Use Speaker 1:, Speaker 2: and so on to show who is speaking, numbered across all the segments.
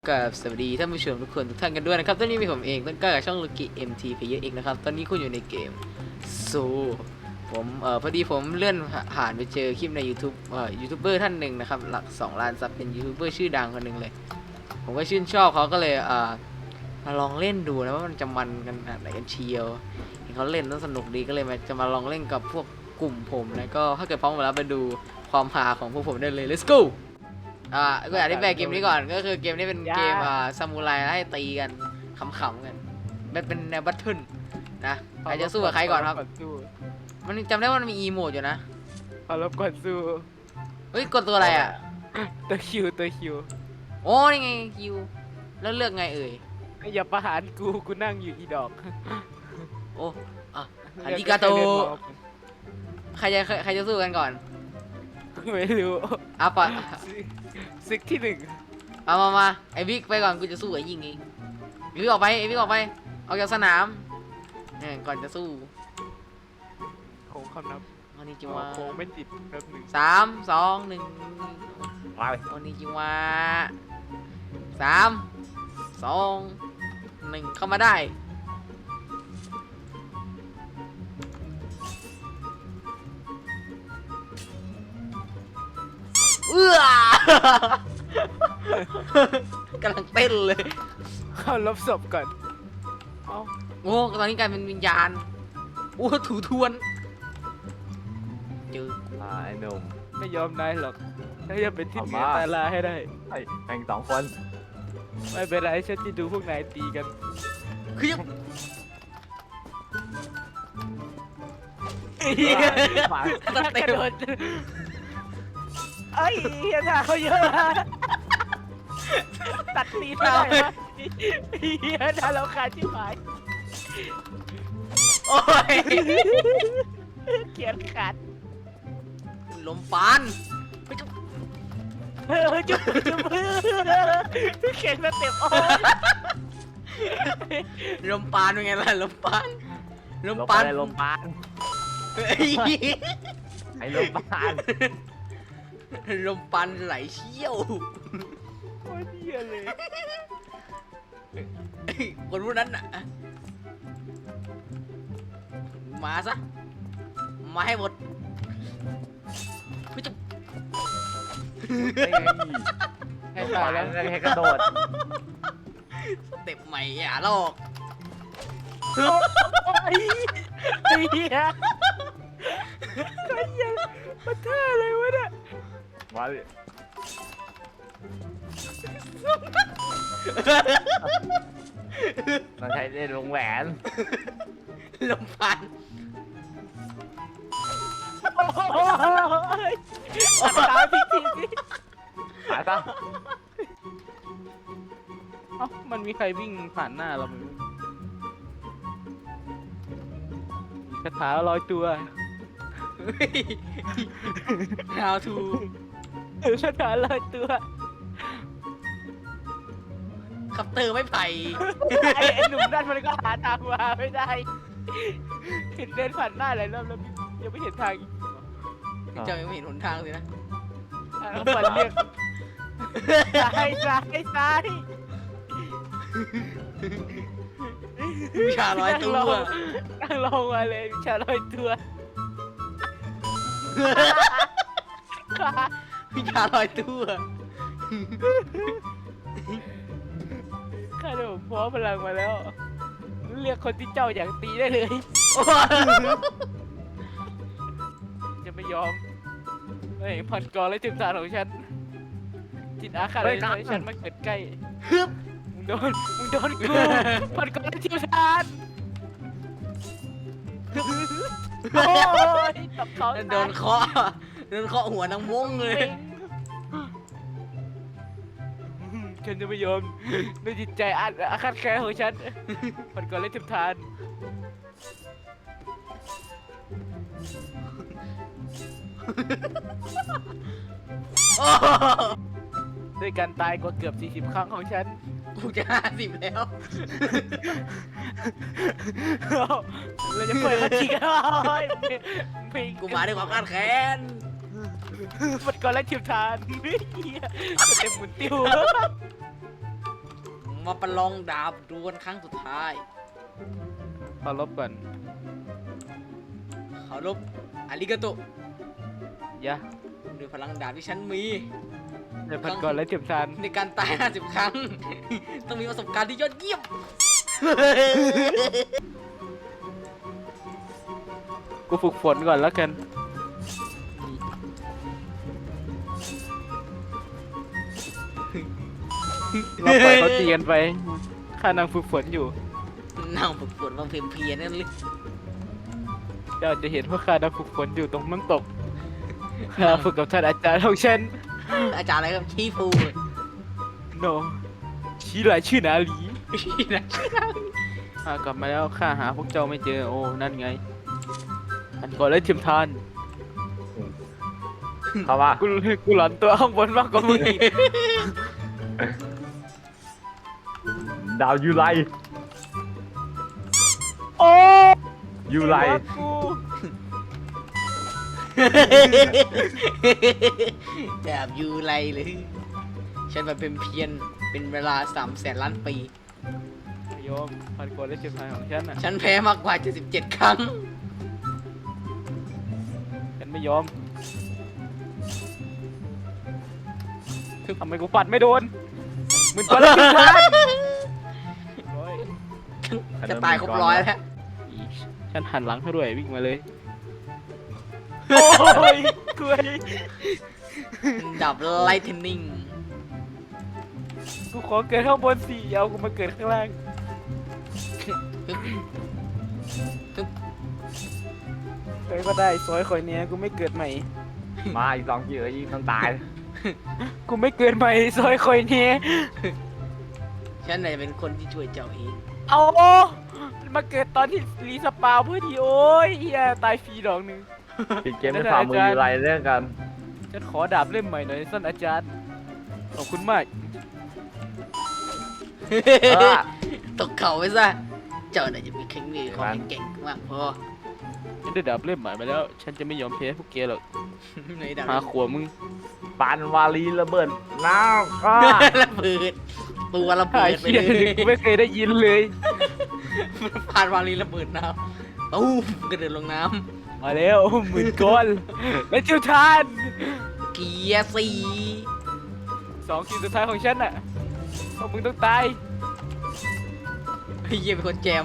Speaker 1: กับสวัสดีท่านผู้ชมทุกคนทุกท่านกันด้วยนะครับตอนนี้มีผมเองต้นกล้ากับช่องลูกิ MT Player เองนะครับตอนนี้คุณอยู่ในเกมซูผมพอดีผมเลื่อนผ่านไปเจอคลิปใน YouTube ยูทูบเบอร์ท่านหนึ่งนะครับหลัก2 ล้านซับเป็นยูทูบเบอร์ชื่อดังคนหนึ่งเลยผมก็ชื่นชอบเขาก็เลยมาลองเล่นดูนะว่ามันจะมันกันไหนกันเชียวเห็นเขาเล่นแล้วสนุกดีก็เลยจะมาลองเล่นกับพวกกลุ่มผมแล้วก็ถ้าเกิดพร้อมแล้วไปดูความฮาของพวกผมได้เลย let's go ก็อยากได้แบกเกมนี้ก่อนก็คือเกมนี้เป็นเกมซามูไรให้ตีกันขำๆกันเป็นแนวบัตเทิลนะใครจะสู้กับใครก่อนครับมันจำได้ว่ามันมีอีโมดอยู่นะ
Speaker 2: ขอรบก่อนสู้
Speaker 1: เฮ้ยกดตัวอะไรอ่ะ
Speaker 2: ตัวคิว
Speaker 1: โอ้นี่ไงคิวแล้วเลือกไงเอ่ย
Speaker 2: อย่าประหารกูนั่งอยู่อีดอก
Speaker 1: โอ้อาริกาโตใครจะสู้กันก่อน
Speaker 2: ไม่รู้
Speaker 1: ปะ
Speaker 2: ศึกที่1
Speaker 1: มาไอ้บิ๊กไปก่อนกูจะสู้ไอ้ยิงเองไอ้บิ๊กออกไปออกจากสนามเนี่ยก่อนจะสู้
Speaker 2: โค้งคำนับ
Speaker 1: วันนี้จิวะ
Speaker 2: โค้งไม่ติดนับ
Speaker 1: 3 2 1
Speaker 2: ไป
Speaker 1: วันนี้จิวะ3 2 1เข้ามาได้กำลังเต้นเลย
Speaker 2: เข้าลบศพก่อน
Speaker 1: โอ้ตอนนี้กลายเป็นวิญญาณโอ้ถูทวนเจอ
Speaker 2: ไอ้หนุ่มไม่ยอมนายหรอกถ้าจะเป็นที่เหนือตายลาให้ได้
Speaker 3: แข่ง2 คน
Speaker 2: ไม่เป็นไรฉันจะดูพวกนายตีกัน
Speaker 1: คือ
Speaker 2: ตัดเต็มเอ้ยเฮียเขาเยอะตัดตีนได้ไหมเฮียน่าเราขาดชิบหาย
Speaker 1: โอ้ย
Speaker 2: เขียนขาด
Speaker 1: ลมปาน
Speaker 2: จุ๊บเขียนมาเต็มโอ้
Speaker 1: ลมปานเป็นไงล่ะลมปาน
Speaker 3: ลมปานไอ้ลมปาน
Speaker 1: ลมปานไหลเชี่ยว
Speaker 2: โอ้ยเหี้ยเลย
Speaker 1: คนพวกนั้นน่ะมาซะมาให้หมดจะ
Speaker 2: ให้ตายแล้ว
Speaker 3: ให้กระโดด
Speaker 1: สเต็ปใหม่อย่าลอก
Speaker 2: ไอ้เหี้ยมันท่าอะไรวะเนี่ย
Speaker 3: มาดิเราใช้เล่นวงแหวน
Speaker 1: ลมพัน
Speaker 2: ตายพี่ที
Speaker 3: หาซะ
Speaker 2: มันมีใครวิ่งผ่านหน้าเราไหมคาถาลอยตัว
Speaker 1: How to
Speaker 2: คาถาลอยตัว
Speaker 1: ขับเตอร์ไม่ไผ่
Speaker 2: ไอ้หนุ่มนั่นมันก็หาทางมาไม่ได้เห็นเดินผ่านหน้าหลายรอบแล้วยังไม่เห็นทางอีก
Speaker 1: เจ้ายังไม่เห็นหนทางเลยนะ
Speaker 2: ต้องปั่นเรียกซ้าย
Speaker 1: วิชาลอยตัว
Speaker 2: นั่งลงมาเลยวิชาลอยตัว
Speaker 1: วิชาลอยตัว
Speaker 2: ข้าเดี๋ยวผมพร้อมพลังมาแล้วเรียกคนที่เจ้าอยากตีได้เลยจะไม่ยอมไม่ผัดกรและจิตตาของฉันจิตอาฆาตเลยให้ฉันมาเกิดใกล้มึงโดนกูผัดกรและจิตตาโอ้ยตับเขา
Speaker 1: โดนเคาะหัวนางม้งเลย
Speaker 2: ฉันจะไม่ยอมด้วยจิตใจอาฆาตแค้นของฉันผัดกรและจิตตาด้วยการตายกว่าเกือบ40 ครั้งของฉัน
Speaker 1: กูจะ50แล้ว
Speaker 2: เราจะเปิดมาทีกัน
Speaker 1: กูมาด้วยความคาดแค้น
Speaker 2: มันก่อนแล้วทิวทานเต็มหมุนติ้ว
Speaker 1: มาประลองดาบดวลครั้งสุดท้าย
Speaker 2: ขอลบก่อน
Speaker 1: เคารพอาริกาโต
Speaker 2: ยะ
Speaker 1: ด้วยพลังดาบที่ฉันมี
Speaker 2: ในพันกรและเทียมทาน
Speaker 1: ในการตาย 50 ครั้ง ต้องมีประสบการณ์ที่ยอดเยี่ยม
Speaker 2: กูฝึกฝนก่อนแล้วกันเราปล่อยเขาตีกันไปข้านางฝึกฝนอยู่
Speaker 1: นั่งฝึกฝนบางเพลียๆนั่นเลย
Speaker 2: เจ้าจะเห็นว่าข้านางฝึกฝนอยู่ตรงน้ำตกข้าฝึกกับท่านอาจารย์ของฉัน
Speaker 1: อาจารย์อะไรครับชี้ฟู
Speaker 2: โนชี้หลายชื่อนาลี
Speaker 1: ชี้นะ
Speaker 2: ข้ากลับมาแล้วข้าหาพวกเจ้าไม่เจอโอ้นั่นไงพันกรและเทียมทาน
Speaker 3: เข้ามา
Speaker 2: กูหลอนตัวข้างบนมากกว่ามึงอีก
Speaker 3: ดาวยูไล
Speaker 2: โอ้
Speaker 3: ยูไล
Speaker 2: กู
Speaker 1: แบบยูไรเลย ฉันมาเป็นเพียนเป็นเวลา300,000 ล้านปี
Speaker 2: โยมพันกรและเทียมทานของฉันน่ะ
Speaker 1: ฉันแพ้มากกว่า 77 ครั้ง
Speaker 2: ฉันไม่ยอมทำไมกูปัดไม่โดนมึงกรและเทียมทานร้อย
Speaker 1: จะตายครบร้อยแล้ว
Speaker 2: อีฉันหันหลังให้ด้วยวิ่งมาเลยโอ้ยกล้วย
Speaker 1: ดับไลท์เทนนิ่ง
Speaker 2: กูขอเกิดข้างบนสิเอากูมาเกิดข้างล่างเฮ้ยก็ได้ซอยคอยเนี้ยกูไม่เกิดใหม่
Speaker 3: มาอีก2 ทีอีกต้องตาย
Speaker 2: กูไม่เกิดใหม่ซอยคอยเนี้ย
Speaker 1: ฉันน่ะจะเป็นคนที่ช่วยเจ้าเอง
Speaker 2: เอามาเกิดตอนที่รีสปาวเพื่อที่โอ้ยเฮียตายฟรีดอกหนึ่ง
Speaker 3: ปิดเกมด้วยฝ่ามือยูไลเรื่องกัน
Speaker 2: ฉันขอดาบเล่มใหม่หน่อยท่านอาจารย์ขอบคุณมาก
Speaker 1: ตกเขาไปซะ เจ้าน่ะจะมีแข็งมีความเก่งมากพอ
Speaker 2: ฉันได้ดาบเล่มใหม่มาแล้ว ฉันจะไม่ยอมแพ้พวกแกหรอก
Speaker 1: ในดับ
Speaker 2: หาขวมึง
Speaker 3: ปานวาลีระเบิดน้ำก็
Speaker 1: ระเบิดตัวระ
Speaker 2: หา
Speaker 1: เบิด
Speaker 2: ย
Speaker 1: ไป
Speaker 2: เชี่ย
Speaker 1: เลย
Speaker 2: กูไม่เคยได้ยินเลย
Speaker 1: ผ่านวาลีระเบิดน้ำตู้มกระเด็นลงน้
Speaker 2: มาแล้วหมื่นก้อนและเจ้าทาน
Speaker 1: ำเกียร์สี่
Speaker 2: 2 คิวสุดท้ายของฉันน่ะพวกมึงต้องตาย
Speaker 1: ไอ้เหี้ยเป็นคนแจม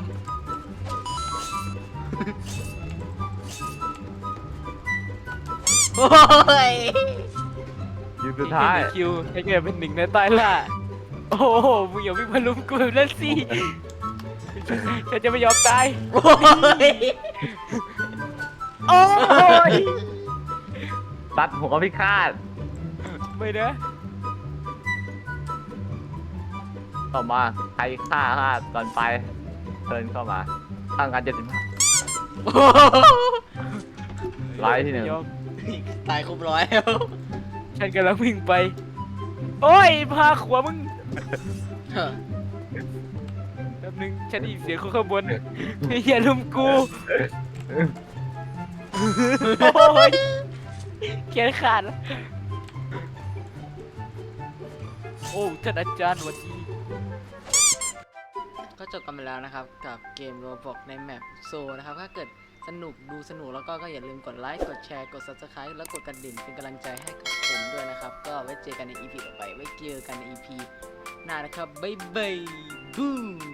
Speaker 1: โอ้ย
Speaker 3: อยู่สุดท้าย
Speaker 2: อีก1 คิวให้แกเป็น1 ในใต้ล่าโอ้โหมึงอย่าวิ่งมาลุมกูแบบนั้นสิฉันจะไม่ยอมตาย
Speaker 1: โอ้ย
Speaker 2: โอ้ย
Speaker 3: ตัดหัวพิฆาต
Speaker 2: ไม่นะ
Speaker 3: เข้ามาใครฆ่าตอนไปเทิร์นเข้ามาตั้งการ75ไลท์ที่
Speaker 2: ยอม
Speaker 1: ตายครบร้อยแล้ว
Speaker 2: ฉันกำลังวิ่งไป โอ้ยพาขวามึง
Speaker 1: เฮ้อ
Speaker 2: แป๊บนึงฉันได้ยินเสียงคนข้างบนอย่าลุมกูโอ้ยแขนขาดแล้วโอ้ท่านอาจารย์สวัสดี
Speaker 1: ก็จบกันไปแล้วนะครับ กับเกมโรบอกในแมปโซนะครับ ถ้าเกิดสนุกดูสนุกแล้วก็อย่าลืมกดไลค์กดแชร์กด Subscribe แล้วกดกระดิ่งเป็นกำลังใจให้กับผมด้วยนะครับ ก็ไว้เจอกันใน EP ต่อไป ไว้เจอกันใน EP หน้านะครับ บ๊ายบายบูม